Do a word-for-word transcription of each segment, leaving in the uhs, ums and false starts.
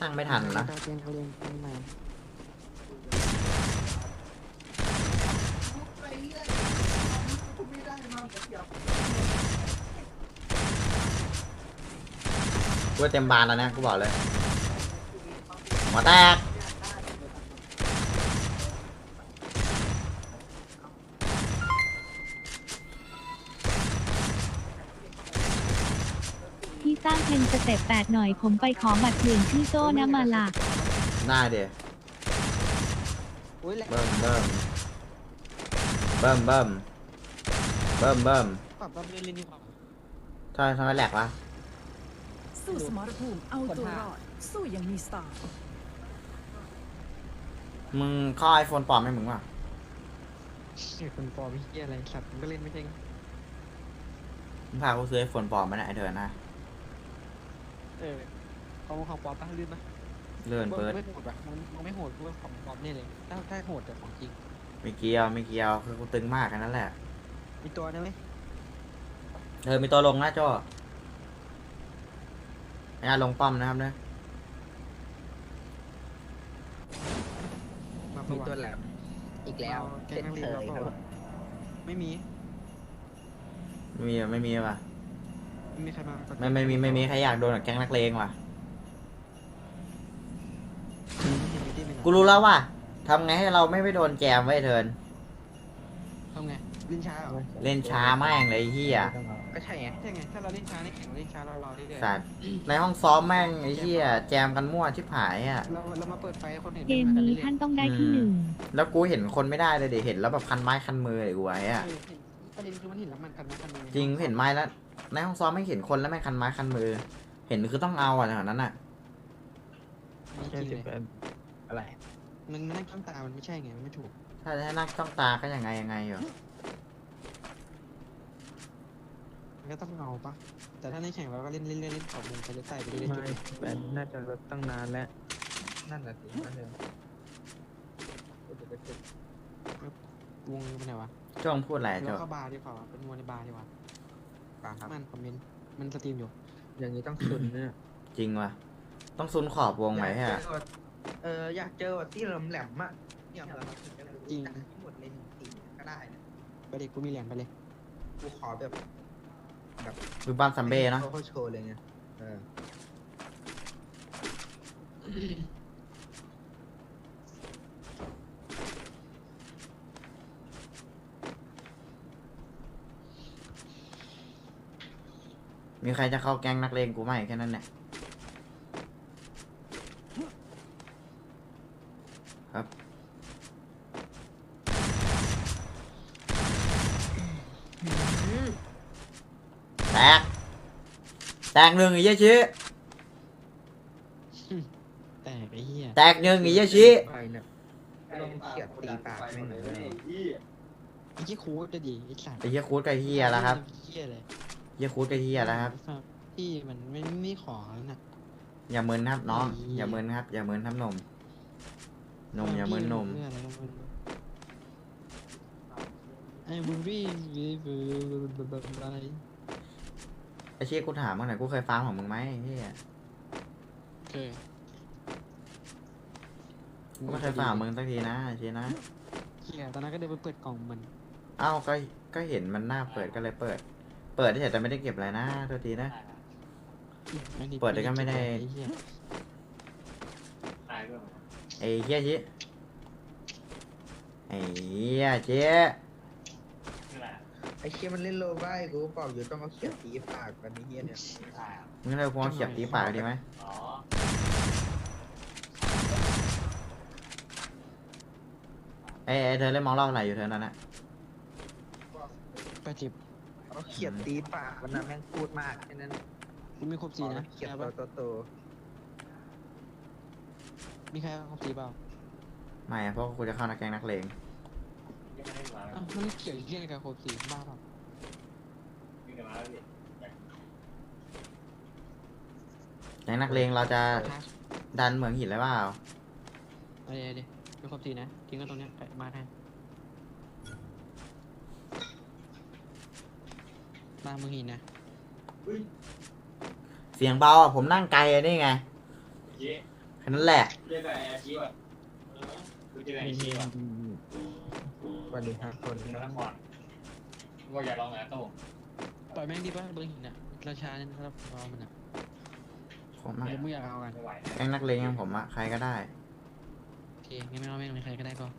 ช่างไม่ทันนะเราเรียนเราเรียนใหม่กูเต็มบานแล้วนะกูบอกเลยหัวแตกพี่สร้างเพลงสเต็ปแปดหน่อยผมไปขอบัตรเปลี่ยนชื่อโซ่นะมาล่ะได้เดี๋ยวอุ้ยแหละเบิ่มเบิ่มเบิ่มเบิ่มเบิ่มเบิ่มปรับรับเรียนเรียนดีกว่าทำไมทำไมแหลกวะสู้สมรภูมิเอาตัวรอดสู้อย่างมีสไตล์มึงเข้าไอโฟนปลอมไหมมึงวะไอ้คนปอมีเหี้ยอะไรสัตว์มันก็เล่นไม่ใช่ไงมึงพากูซื้อไอโฟนปลอมมาเนี่ยไอเถินนะเออของของปอป้าลื่นปะเลื่อนเปิดไม่โหดปะมันมันไม่โหดกูว่าของปอมนี่เลยถ้าถ้าโหดแต่ของจริงไม่เกี่ยวไม่เกี่ยวคือกูตึงมากแค่นั้นแหละมีตัวนะไหมเออมีตัวลงนะโจ้ไอ้อาลงป้อมนะครับเนี่ยมีตัวแหลมอีกแล้วแกงนักเรียนเราก็ไม่มีไม่มีไม่มีว่ะไม่มีใครมาไม่ไม่มีไม่มีใครอยากโดนกับแก๊งนักเลงว่ะกูรู้แล้วว่าทำไงให้เราไม่ไปโดนแจมไว้เถินทำไงเล่นช้าเหรอเล่นช้าแม่งเลยไอ้เฮียก็ใช่ไงใช่ไงถ้าเราเล่นช้าในแข่งเราเล่นช้าเรารอเรื่อยสัตว์ในห้องซ้อมแม่งไอ้เฮียแจมกันมั่วชิบหายอ่ะๆเราเรามาเปิดไฟให้คนเห็นเกมนี้ท่านต้องได้ที่หนึ่งแล้วกูเห็นคนไม่ได้เลยเดี๋ยวเห็นแล้วแบบคันไม้คันมือเลยกูไว้อ่ะประเด็นคือมันเห็นแล้วมันกันนะกันเลยจริงเห็นไม้แล้วในห้องซ้อมไม่เห็นคนแล้วแม่งคันไม้คันมือ เห็นคือต้องเอาอ่ะแถวนั้นอ่ะจริงเลยอะไรมันมันนั่งจ้องตามันไม่ใช่ไงมันไม่ถูกถ้าจะให้นั่งจ้องตาก็ยังไงยังไงอยู่มันก็ต้องเอาปะแต่ถ้าในแข่งเราก็เล่นเล่นเล่นเล่นขอบมุมไปเล่นใต้ไปเล่นจุดไม่แบนน่าจะลดตั้งนานแล้ว นั่นแหละสินั่นเลยวงเป็นไงวะจ้องพูดอะไรเราเจ้าเข้าบาร์ดีกว่าเป็นมัวในบาร์ดีกว่ามันคอมเมนต์มันสตรีมอยู่อย่างนี้ต้องซุนเนี่ยจริงว่ะต้องซุนขอบวงไหมฮะเอออยากเจอว่าที่แหลมๆอ่ะเนี่ยเราถึงจะรู้จริงจักทั้งหมดเลยหนึ่งทีก็ได้นะไปเด็กกูมีเหรียญไปเลยกูขอแบบคือบ้านซัมเบ้เนาะเขาโชว์เลยไงเออมีใครจะเข้าแก๊งนักเลงกูไหมแค่นั้นแหละครับแตกแตกหนึ่งไอ้เหี้ยชี้แต่ไอ้เหี้ยแตกหนึ่งไอ้เหี้ยชี้ไปเนี่ยลองเขียดตีปากไม่เหมือนเลยไอ้เหี้ยคูจะดีไอ้สัตว์ไอ้เหี้ยคูดกับเหี้ยแล้วครับเหี้ยเลยเหี้ยคูดกับเหี้ยแล้วครับพี่มันไม่ไม่ขอแล้วนะอย่ามึนครับน้องไอ้เหี้ยอย่ามึนครับอย่ามึนครับหนมนมอย่ามึนนมไอ้บูบี้บีบูอะไรไอ้ชี้กูถามมึงหน่อยกูเคยฟังของมึงไหมไอ้เหี้ยเคยกูไม่เคยฟังของมึงสักทีนะไอ้ชี้นะเหี้ยตอนนั้นก็เดินไปเปิดกล่องมันเอ้าก็ก็เห็นมันหน้าเปิดก็เลยเปิด เปิดเฉยแต่ไม่ได้เก็บอะไรนะโทษทีนะ เปิดแต่ก็ไม่ได้ไอ้เหี้ยไอ้เหี้ยชี้ไอ้เหี้ยเจ๊ไอ้เชี่ยมันเล่นโลบ้ากูเปล่าอยู่ต้องเอาเขียดตีปากกันไอ้เหี้ยเนี่ยมึงเลยพวงเขียบตีปากดีไหมไอ้ไอ้เธอเล่นมองรอบไหนอยู่เธอนั้นนะแปดสิบเอาเขียดตีปากมันนะแม่งพูดมากแค่นั้นกูมีครบสี่นะเขียดใช่โตปะโตโตมีใครครบสี่เปล่าไม่อะเพราะกูจะเข้านักแกงนักเลงอ้าวมันเกี่ยวเหี้ยอะไรกับครบสี่บ้าเปล่าแกงนักเลงเราจะดันเหมืองหินเลยเปล่าเอาเดี๋ยวเดี๋ยวมีครบสี่นะทิ้งกันตรงเนี้ยไปมาแทนมามึงหินนะเสียงเบาอะผมนั่งไกลอะนี่ไงค่นั้นแหละเรียกอะไรอาชีพอ่ะเออกูเจออาชีพอ่ะสวัสดีครับคนนครว่าอยากลองไหมโต้งปล่อยแม่งดีป่ะเบอร์หินอ่ะราชาเนี่ยนะครับรอมันอ่ะผมอะเดี๋ยวมึงอยากเอากันไม่ไหวแก๊งนักเลงอย่างผมอะใครก็ได้โอเคงั้นไม่เอาแม่งเลยใครก็ได้ก็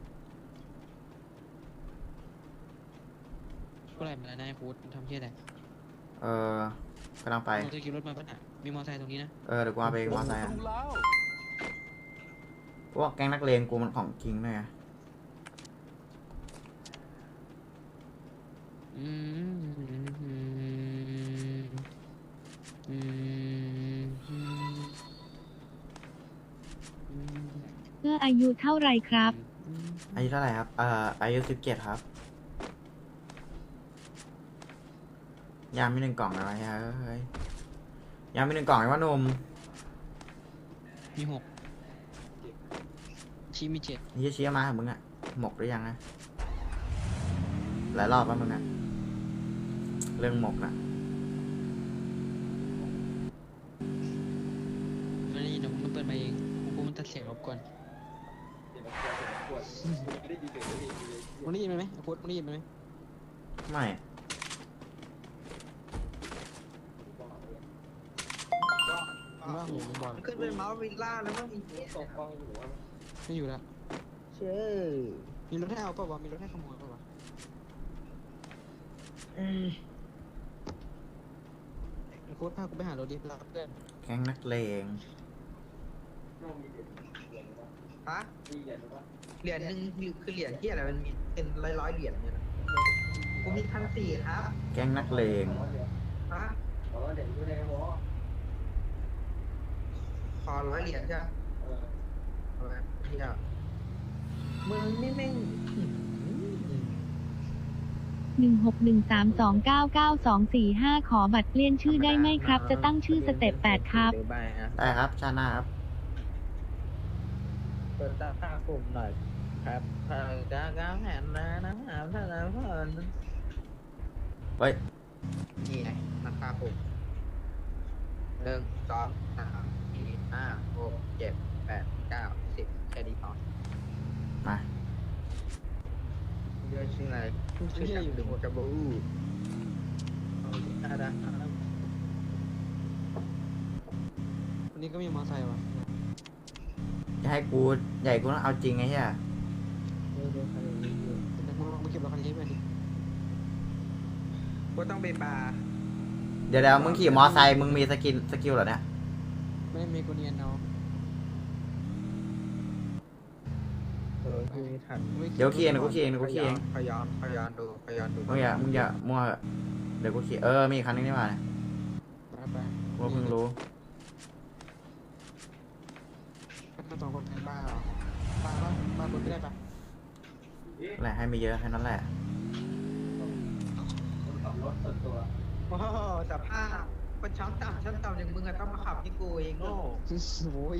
ก็ไรมาแล้วนายฟูดทำเที่ยอะไรเออกำลังไปมึงจะขี่รถมาปะน่ะมีมอเตอร์ไซค์ตรงนี้นะเออเดี๋ยวกูเอาไปเองมอไซค์อะพวกแก๊งนักเลงกูมันของจริงด้วยไงอืมอืมอืมอืมอืมเพื่ออายุเท่าไรครับอายุเท่าไหร่ครับ เอ่อ อายุสิบเจ็ดครับ ยามมีหนึ่งกล่องอะไรฮะเฮ้ย ยามมีหนึ่งกล่องไอ้ว่าหนุ่มมีหกชีมีเจ็ดนี่เชี้ยมาเหรอมึงอะหมกหรือยังนะหลายรอบแล้วมึงอะเรื่องหมกน่ะไม่ได้ยินเดี๋ยวมึงเปิดมาเองกูมันตัดเสียงรบกวนมึงได้ยินไหมโค้ดมึงได้ยินไหมไม่มึงว่าหูมึงบอลขึ้นเป็นเมาส์วิลล่าแล้วมั้งมีไม่อยู่แล้วเชื่อมีรถให้เอาเปล่าวะมีรถให้ขโมยเปล่าวะอืมโค้ดพากูไปหารถดิรับเพื่อนแก๊งนักเลงฮะเหรียญหนึ่งคือเหรียญที่อะไรมันมีเป็นร้อยร้อยๆเหรียญเนี่ยนะกูมีพันสี่ครับแก๊งนักเลงฮะขอร้อยเหรียญใช่ไหมเอาละเที่ยวมึงนี่แม่งหนึ่งหกหนึ่งสามสองเก้าเก้าสองสี่ห้าขอบัตรเปลี่ยนชื่อได้ไหมครับ จะตั้งชื่อสเต็ปแปดครับเดี๋ยวไปฮะได้ครับ ชาติหน้าครับเปิดตาข้ากลุ่มหน่อยครับเออกางกางแผ่นนะนะหาท่านนะเพื่อนเฮ้ยนี่ไงราคาปุ่มหนึ่งสองสามสี่ห้าหกเจ็ดแปดเก้าสิบแค่นี้พอมาเยอะชื่ออะไรชื่อจับดึงจับบูเอาได้ได้วันนี้ก็มีมอเตอร์ไซค์วะจะให้กูใหญ่กูต้องเอาจริงไงเฮียเดี๋ยวมึงลองไปเก็บรถคันนี้ให้เพื่อนดิก็ต้องไปบาร์เดี๋ยวเดี๋ยวมึงขี่มอไซค์มึงมีสกินสกิลเหรอเนี่ยไม่มีกูเนียนเนาะเออคือไม่ทันเดี๋ยวขี่เองเดี๋ยวกูขี่เองเดี๋ยวกูขี่เองพยอนพยอนดูพยอนดูมึงอย่ามึงอย่ามั่วเหอะเดี๋ยวกูขี่เออมีอีกคันนึงนี่หว่าเนี่ยไปไปกูก็เพิ่งรู้ก็สองคนเป็นบ้าเหรอบ้าปะบ้าคนไม่ได้ปะแหละให้ไม่เยอะแค่นั้นแหละโอ้โหสภาพคนชั้นต่ำชั้นต่ำอย่างมึงอะต้องมาขับที่กูเองโง่โอ้ย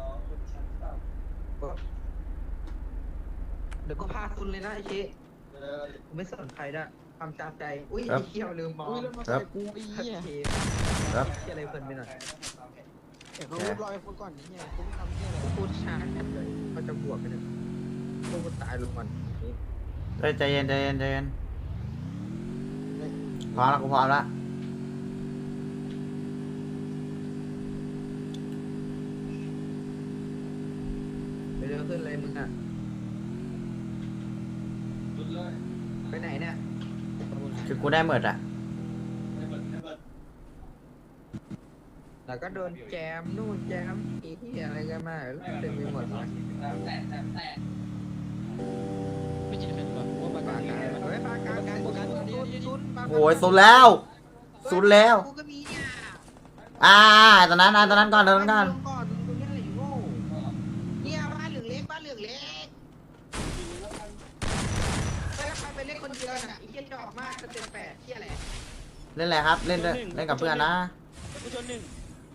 เดี๋ยวก็พาคุณเลยนะไอ้เชกูไม่สนใครด้วยความจำใจ อุ้ยไอ้เขี้ยวลืมมองอุ้ยรถมอเตอร์ไซค์กูไอ้เหี้ยโอเคครับเขี้ยอะไรเพลินไปหน่อยเดี๋ยวเขาเรียบร้อยพูดก่อนนี่เนี่ยกูไม่ทำเหี้ยอะไรกูพูดช้าแค่เลยเขาจะบวกกันเนี่ยพวกกูตายลงก่อนนี่เฮ้ยใจเย็นใจเย็นใจเย็นพร้อมแล้วกูพร้อมแล้วเดี๋ยวขึ้นเลยมึงอะไปไหนเนี่ยคือกูได้หมดอ่ะแล้วก็โดนแจมนู่นแจมอีที่อะไรกันมาเต็มไปหมดเลยไม่เจ็บเป็นหรอว่าปากาปากการรเฮ้ยปากการการการซุนซุนปากการโอ้ยสุดแล้วสุดแล้วกูก็มีเนี่ยอ่าตอนนั้นอ่ะตอนนั้นก่อนตอนนั้นก่อนก่อนมึงเล่นอะไรอยู่โง่เนี่ยบ้านเหลืองเล็กบ้านเหลืองเล็กไปแล้วใครไปเล่นคนเดียวน่ะไอ้เหี้ยจอกมากสเต็ปแปดเหี้ยอะไรเล่นอะไรครับ เล่นด้วยเล่นกับเพื่อนนะผู้ชนหนึ่ง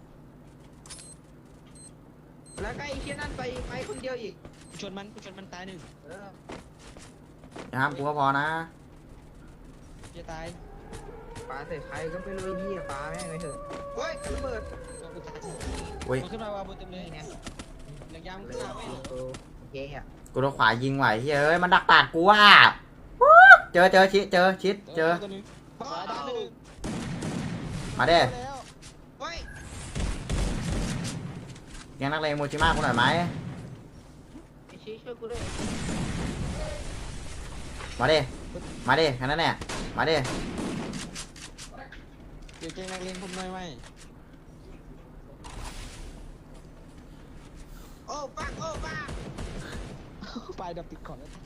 แล้วก็ไอ้เหี้ยนั่นไปไปคนเดียวอีกผู้ชนมันผู้ชนมันตายหนึ่งเอออย่าห้ามกูก็พอนะจะตายปาใส่ใครก็ไม่รู้ไอ้เหี้ยปาแม่งไปเถอะเฮ้ยระเบิดตัวกูตายอุ้ยมันขึ้นมาวาบนเต็มเลยนี่ไงหลังยางเลมึยงตามไม่โอเคอ่ะกูโดนขวายิงไหวเฮ้ยมันดักปาดกูอ่ะเจอเจอชิดเจอชิดเจอตัวนึงขวาด้านหนึ่งมาเด้แล้วเฮ้ยแกงนักเลงโมจิมากูหน่อยไหมไอ้ชี้ช่วยกูด้วยมาเด้มาเด้แค่นั้นแหละมาเด้เดี๋ยวเกงนักเรียนผมหน่อยไหมโอ้ปังโอ้ปังปลายดับติดก่อนแล้ว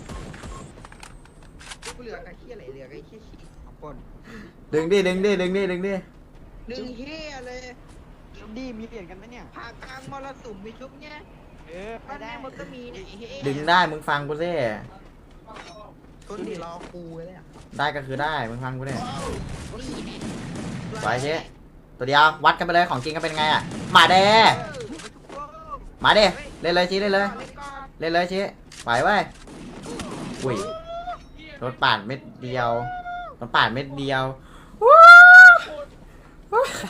กูเหลือไอ้ขี้อะไรเหลือไอ้ขี้ชี้สองคนดึงดิดึงดิดึงดิดึงดิหนึ่งเฮียเลยดีมีเปลี่ยนกันไหมเนี่ยผ่ากลางมรสุมมีชุบเนี่ยเออไปบ้านได้แม่มันก็มีเนี่ยไอ้เฮียดึงได้มึงฟังกูสิคนที่รอกูเลยอ่ะได้ก็คือได้มึงฟังกูดินี่แน่ไว้เชตัวเดียววัดกันไปเลยของจริงก็เป็นไงอ่ะมาเด้เออไปทุกคนมาเด้เล่นเลยชี้เล่นเลยเล่นก่อนเล่นเลยชี้ไหวเว้ยอุ้ยรถปาดเม็ดเดียวรถปาดเม็ดเดียววู้วู้ใคร